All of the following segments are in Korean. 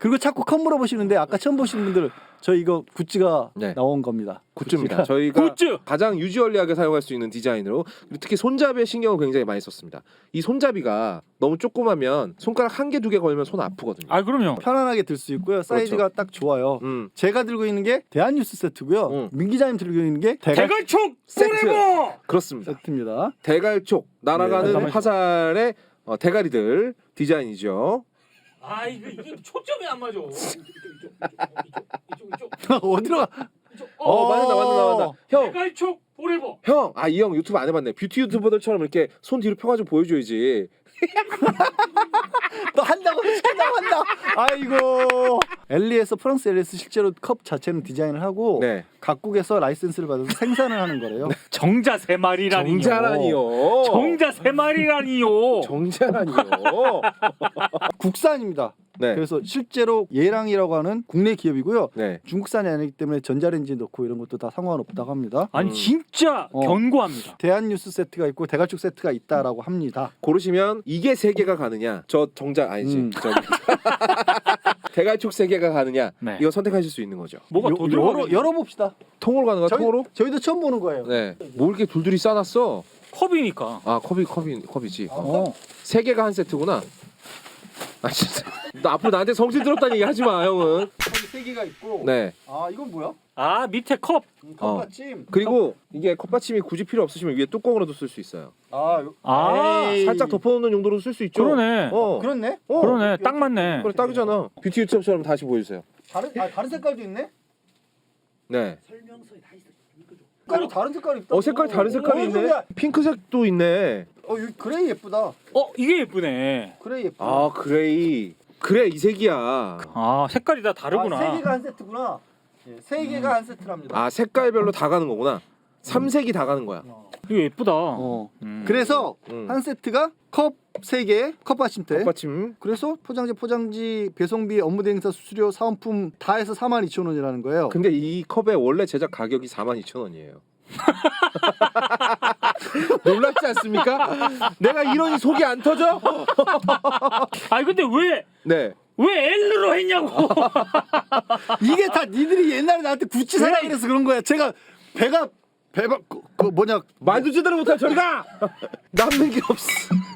그리고 자꾸 컵 물어보시는데 아까 처음 보신 분들 저 이거 굿즈가 네. 나온 겁니다. 굿즈입니다. 저희가 굿즈! 가장 유지얼리하게 사용할 수 있는 디자인으로 그리고 특히 손잡이에 신경을 굉장히 많이 썼습니다. 이 손잡이가 너무 조그마면 손가락 한 개 두 개 걸면 손 아프거든요. 아 그럼요. 편안하게 들 수 있고요. 사이즈가 딱 좋아요. 제가 들고 있는 게 대한뉴스 세트고요. 민 기자님 들고 있는 게 대갈총 세트. 포레버! 그렇습니다. 세트입니다. 대갈촉 날아가는 네. 화살의 대가리들 디자인이죠. 아 이게 초점이 안 맞아. 이쪽. 어디로 가? 맞는다. 형, 대갈총 포레버. 형, 이 형 유튜브 안 해봤네. 뷰티 유튜버들처럼 이렇게 손 뒤로 펴가지고 보여줘야지. 또 한다고 한다. 아이고. 엘리에서 프랑스 엘리에서 실제로 컵 자체는 디자인을 하고 네. 각국에서 라이센스를 받아서 생산을 하는 거래요. 정자 세 마리라니요. 정자라니요. 정자 세 마리라니요. 정자라니요. 국산입니다. 네. 그래서 실제로 예랑이라고 하는 국내 기업이고요. 네. 중국산이 아니기 때문에 전자레인지에 넣고 이런 것도 다 상관없다고 합니다. 아니 진짜 견고합니다. 대한뉴스 세트가 있고 대갈축 세트가 있다라고 합니다. 고르시면 이게 세 개가 가느냐, 저 정자 아니지. 저기. 대갈축 세 개가 가느냐, 네. 이거 선택하실 수 있는 거죠. 뭐가 더 들어가? 열어봅시다. 통으로 가는 거야, 통으로? 저희도 처음 보는 거예요. 네. 뭐 이렇게 둘둘이 싸놨어? 컵이니까. 아, 컵이지. 어. 세 개가 한 세트구나. 아 진짜. 너 앞으로 나한테 성질스럽다는 얘기 하지 마, 형은. 여기 세 개가 있고. 네. 아 이건 뭐야? 아 밑에 컵. 컵받침. 그리고 이게 컵받침이 굳이 필요 없으시면 위에 뚜껑으로도 쓸 수 있어요. 에이. 살짝 덮어놓는 용도로 쓸 수 있죠. 그러네. 그렇네. 그러네. 딱 맞네. 그래 딱이잖아. 뷰티 유튜브처럼 다시 보여주세요. 다른 색깔도 있네. 네. 색깔이 다른 색깔이 있다. 색깔 다른 색깔이 있네. 핑크색도 있네. 여기 그레이 예쁘다. 이게 예쁘네. 그레이 예쁘다. 아 그레이. 그래 이 색이야. 아 색깔이 다 다르구나. 세 개가 한 세트구나. 세 개가 한 세트랍니다. 아 색깔별로 다 가는 거구나. 3색이 다 가는 거야. 이거 예쁘다. 그래서 한 세트가 컵 3개, 컵받침대. 컵받침. 그래서 포장지, 배송비, 업무대행사 수수료, 사은품 다 해서 42,000원이라는 거예요. 근데 이 컵의 원래 제작 가격이 42,000원이에요. 놀랍지 않습니까? 내가 이러니 속이 안 터져? 아니 근데 네. 왜 L로 했냐고. 이게 다 니들이 옛날에 나한테 구찌 사라 그래서 그런 거야. 제가 배가 그 뭐냐 말도 제대로 못할 저리가 남는 게 없어.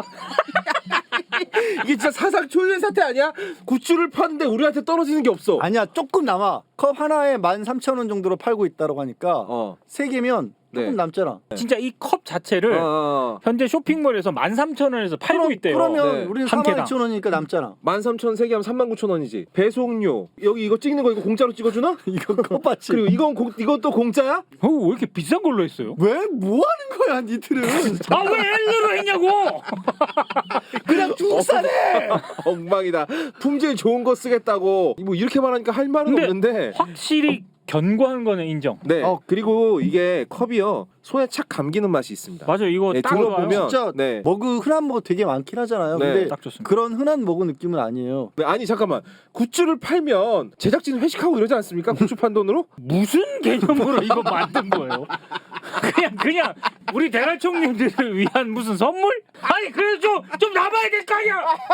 이게 진짜 사상 초유의 사태 아니야? 굿즈를 파는데 우리한테 떨어지는 게 없어. 아니야 조금 남아. 컵 하나에 13,000원 정도로 팔고 있다고 하니까 3개면 조금 네. 남잖아. 진짜 이 컵 자체를 현재 쇼핑몰에서 13,000원에서 팔고 있대요. 그러면 네. 우리는 한 개당. 42,000원이니까 남잖아. 13,000 3개 하면 39,000원이지. 배송료 여기 이거 찍는 거 이거 공짜로 찍어주나? 이거 컵받침. 그리고 이건 또 공짜야? 왜 이렇게 비싼 걸로 했어요? 왜 뭐 하는 거야 니들은? 아 왜 L로 했냐고. 그냥 중국산에. 엉망이다. 품질 좋은 거 쓰겠다고 뭐 이렇게 말하니까 할 말은 근데 없는데. 확실히 견고한 거는 인정. 네. 그리고 이게 컵이요 손에 착 감기는 맛이 있습니다. 맞아 이거 네, 딱 들어보면 좋아요. 진짜 네. 흔한 머그 되게 많긴 하잖아요. 네, 근데 딱 좋습니다. 그런 흔한 머그 느낌은 아니에요. 네, 아니 잠깐만 굿즈를 팔면 제작진 회식하고 이러지 않습니까? 굿즈 판 돈으로? 무슨 개념으로 이거 만든 거예요? 그냥 우리 대갈총님들을 위한 무슨 선물? 아니 그래도 좀 남아야 될 거 아니야.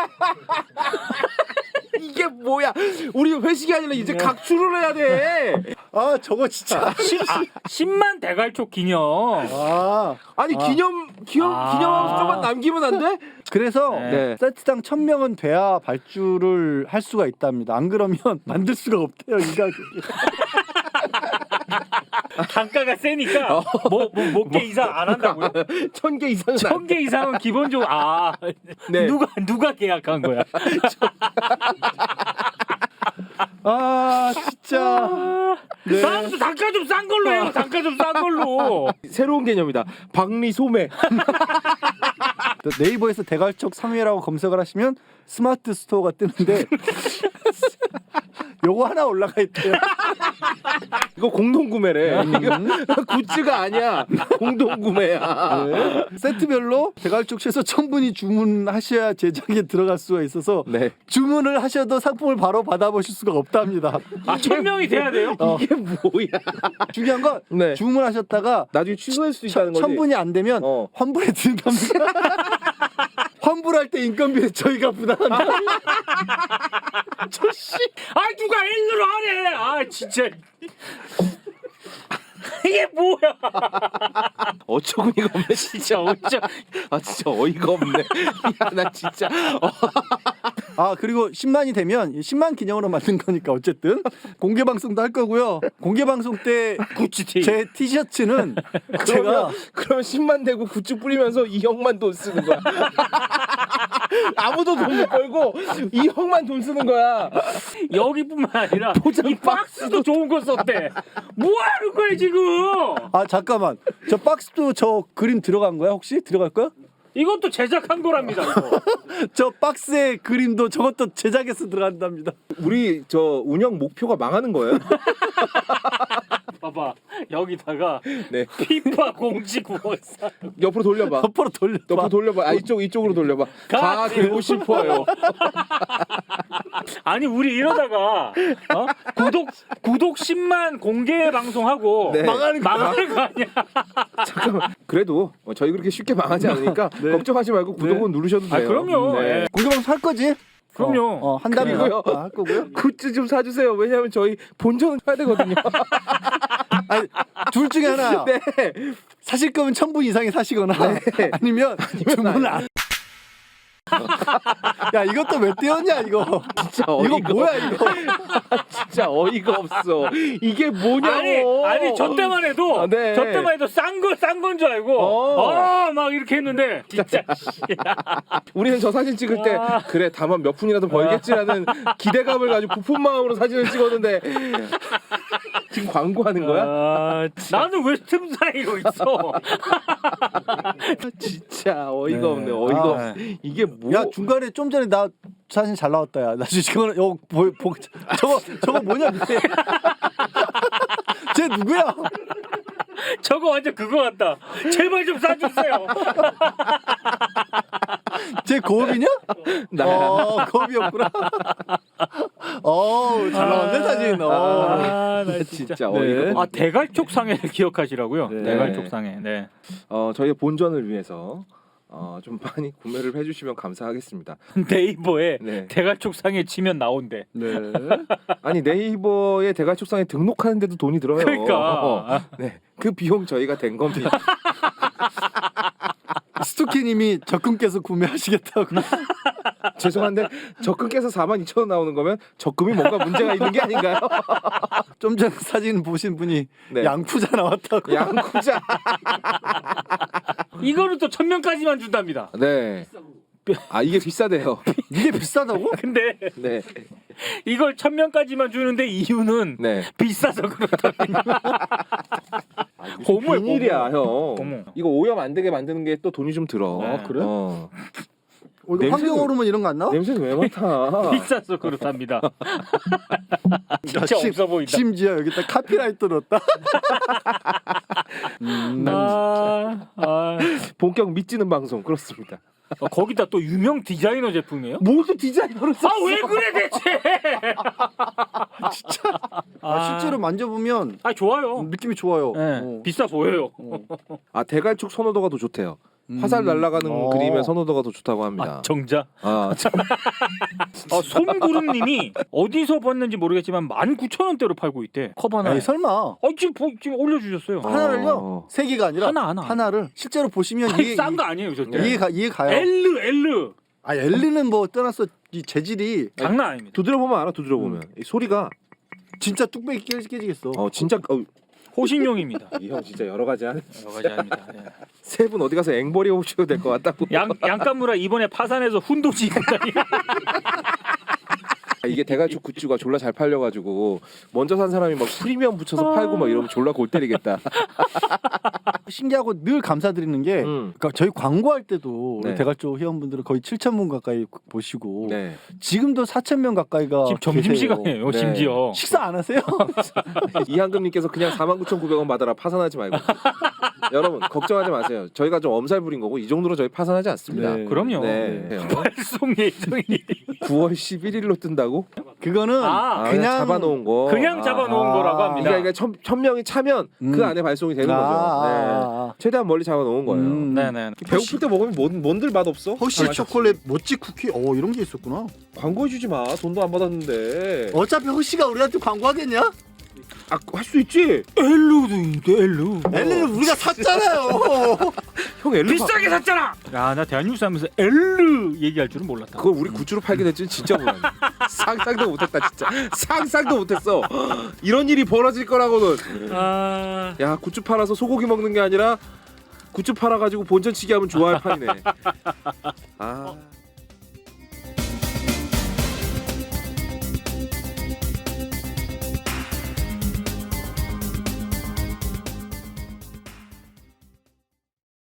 이게 뭐야? 우리 회식이 아니라 이제 각출을 해야 돼. 아 저거 진짜. 10만 대갈총 기념. 아니 기념하면서 좀만 남기면 안 돼? 그래서 네. 세트당 1,000명은 돼야 발주를 할 수가 있답니다. 안 그러면 만들 수가 없대요 이 가격이. 단가가 세니까 몇 개 이상 안 한다고요? 1,000개 이상은 1,000개 이상은 기본적으로 네. 누가 계약한 거야? 진짜. 네. 다음부터 단가 좀 싼 걸로 해요. 단가 좀 싼 걸로. 새로운 개념이다. 박리소매. 네이버에서 대갈촉 상회라고 검색을 하시면 스마트 스토어가 뜨는데 요거 하나 올라가 있대요. 이거 공동 구매래. 굿즈가 아니야. 공동 구매야. 네. 세트별로 대갈촉 최소 1,000분이 주문하셔야 제작에 들어갈 수가 있어서 네. 주문을 하셔도 상품을 바로 받아보실 수가 없답니다. 1,000명이 돼야 돼요? 이게 뭐야? 중요한 건 네. 주문하셨다가 나중에 취소할 수 있다는 거지. 1,000분이 안 되면 환불해 드린답니다. 환불할 때 인건비 저희가 부담한다. 아 누가 L로 하래. 아 진짜. 이게 뭐야? 어처구니가 없네 진짜. 아 진짜 어이가 없네. 야 나 진짜. 아 그리고 10만이 되면 10만 기념으로 만든 거니까 어쨌든 공개 방송도 할 거고요. 공개 방송 때 구찌티. 제 티셔츠는 제가 그러면 10만 대고 굿즈 뿌리면서 이 형만 돈 쓰는 거야. 아무도 돈 못 벌고 이 형만 돈 쓰는 거야. 여기뿐만 아니라 포장 이 박스도 좋은 거 썼대. 뭐 하는 거야 지금? 아 잠깐만 저 박스도 저 그림 들어간 거야 혹시 들어갈 거야? 이것도 제작한 거랍니다. 이거. 저 박스의 그림도 저것도 제작해서 들어간답니다. 우리 저 운영 목표가 망하는 거예요? 봐봐 여기다가 네. 피파 공지구원사. 옆으로 돌려봐. 옆으로 돌려. 옆으로 돌려봐. 아 이쪽으로 돌려봐. 가 되고 싶어요. 아니 우리 이러다가 구독 10만 공개 방송하고 네. 망하는 거 아니야? 잠깐만. 그래도 저희 그렇게 쉽게 망하지 않으니까 네. 걱정하지 말고 구독은 누르셔도 돼요. 아 그럼요. 네. 예. 공개 방송 할 거지? 그럼요. 한다면 그리고요. 할 거고요. 굿즈 좀 사주세요. 왜냐면 저희 본전은 해야 되거든요. 아니, 둘 중에 하나. 네. 사실 거면 1,000분 이상이 사시거나 아니면 주문을 안. 야 이것도 왜 떼었냐 이거. 진짜 이거 어이가 뭐야 이거. 진짜 어이가 없어. 이게 뭐냐고. 아니 저 때만 해도 아, 네. 저 때만 해도 싼 건 줄 알고 막 이렇게 했는데 진짜 우리는 저 사진 찍을 때 그래 다만 몇 푼이라도 벌겠지라는 기대감을 가지고 부푼 마음으로 사진을 찍었는데 지금 광고하는 거야? 나는 왜 틈 사이로 있어? 진짜 어이가 네. 없네. 어이가 아. 없어. 이게 뭐? 야 중간에 좀 전에 나 사진 잘 나왔다 야. 나 지금 이거 저거 뭐냐 밑에. 쟤 누구야? 저거 완전 그거 같다. 제발 좀 사주세요. 쟤 고업이냐? 고업이었구나. 잘 나왔네 사진. 나 진짜 네. 어이가 없네. 대갈촉 상해를 기억하시라고요. 네. 대갈촉 상해. 네. 저희 본전을 위해서 좀 많이 구매를 해주시면 감사하겠습니다. 네이버에 네. 대갈촉 상해 치면 나온대. 네. 아니 네이버에 대가축상에 등록하는데도 돈이 들어요. 그러니까. 네, 그 비용 저희가 된 겁니다. 스토키님이 적금께서 구매하시겠다고. 죄송한데 적금께서 42,000원 나오는 거면 적금이 뭔가 문제가 있는 게 아닌가요? 좀 전 사진 보신 분이 네. 양쿠자 나왔다고. 양쿠자. 이거는 또 1,000명까지만 준답니다. 네. 아 이게 비싸대요. 이게 비싸다고? 근데 네. 이걸 1,000명까지만 주는데 이유는 네. 비싸서 그렇답니다. 고물 비닐이야 형. 고무. 이거 오염 안 되게 만드는 게 또 돈이 좀 들어. 네. 그래? 냄새는- 환경 호르몬 이런 거 안 나와? 냄새는 왜 맡아? 비싸서 그렇답니다. 진짜 심- 없어 보인다. 심지어 여기다 카피라이트 넣었다. 본격 믿지는 방송 그렇습니다. 거기다 또 유명 디자이너 제품이에요? 모두 디자이너를 써. 아 왜 그래 대체? 실제로 만져보면 좋아요. 느낌이 좋아요. 네, 비싸 보여요. 아 대갈축 선호도가 더 좋대요. 화살 날아가는 그림의 선호도가 더 좋다고 합니다. 정자. 참. 손구름님이 어디서 봤는지 모르겠지만 19,000원대로 팔고 있대. 컵 하나. 에이, 설마 지금 올려주셨어요. 하나를요? 세 개가 아니라 하나. 하나를 실제로 보시면 아니, 이해 싼 거 아니에요 절대. 이해 가요. L 아 엘리는 뭐 떠났어 이 재질이 장난 아닙니다. 두드려 보면 알아. 두드려 보면 이 소리가 진짜 뚝배기 깨지겠어. 진짜 호신용입니다. 이 형 진짜 여러 가지 하네. 여러 가지 아닙니다. 세 분 어디 가서 앵벌이 오셔도 될 것 같다고. 양간무라 이번에 파산해서 훈도지 입고 다니. 이게 대갈축 굿즈가 졸라 잘 팔려가지고 먼저 산 사람이 막 프리미엄 붙여서 팔고 막 이러면 졸라 골 때리겠다. 신기하고 늘 감사드리는 게 그러니까 저희 광고할 때도 네. 우리 대갈조 회원분들은 거의 7,000분 가까이 보시고 네. 지금도 4,000명 가까이가 지금 점심시간이에요. 네. 심지어. 식사 안 하세요? 이한금님께서 그냥 49,900원 받아라 파산하지 말고. 여러분 걱정하지 마세요. 저희가 좀 엄살 부린 거고 이 정도로 저희 파산하지 않습니다. 네. 그럼요. 네. 발송 예정이 9월 11일로 뜬다고? 그거는 그냥 잡아놓은 거. 그냥 잡아놓은 거라고 합니다. 그러니까 1000명이 차면 그 안에 발송이 되는 거죠. 네. 최대한 멀리 잡아놓은 거예요. 네네. 배고플 때 먹으면 뭔들 맛없어? 허쉬 초콜릿 모찌 쿠키 이런 게 있었구나. 광고해주지 마. 돈도 안 받았는데. 어차피 허쉬가 우리한테 광고하겠냐? 할 수 있지. 엘루도 있대 엘루. 엘리는 우리가 샀잖아요. 형 엘루 비싸게 샀잖아. 야 나 대한뉴스 하면서 엘루 얘기할 줄은 몰랐다. 그걸 우리 굿즈로 팔게 될지는 진짜 몰랐네. 상상도 못했다 진짜. 상상도 못했어. 이런 일이 벌어질 거라고는. 야 굿즈 팔아서 소고기 먹는 게 아니라 굿즈 팔아가지고 본전치기 하면 좋아할 판이네.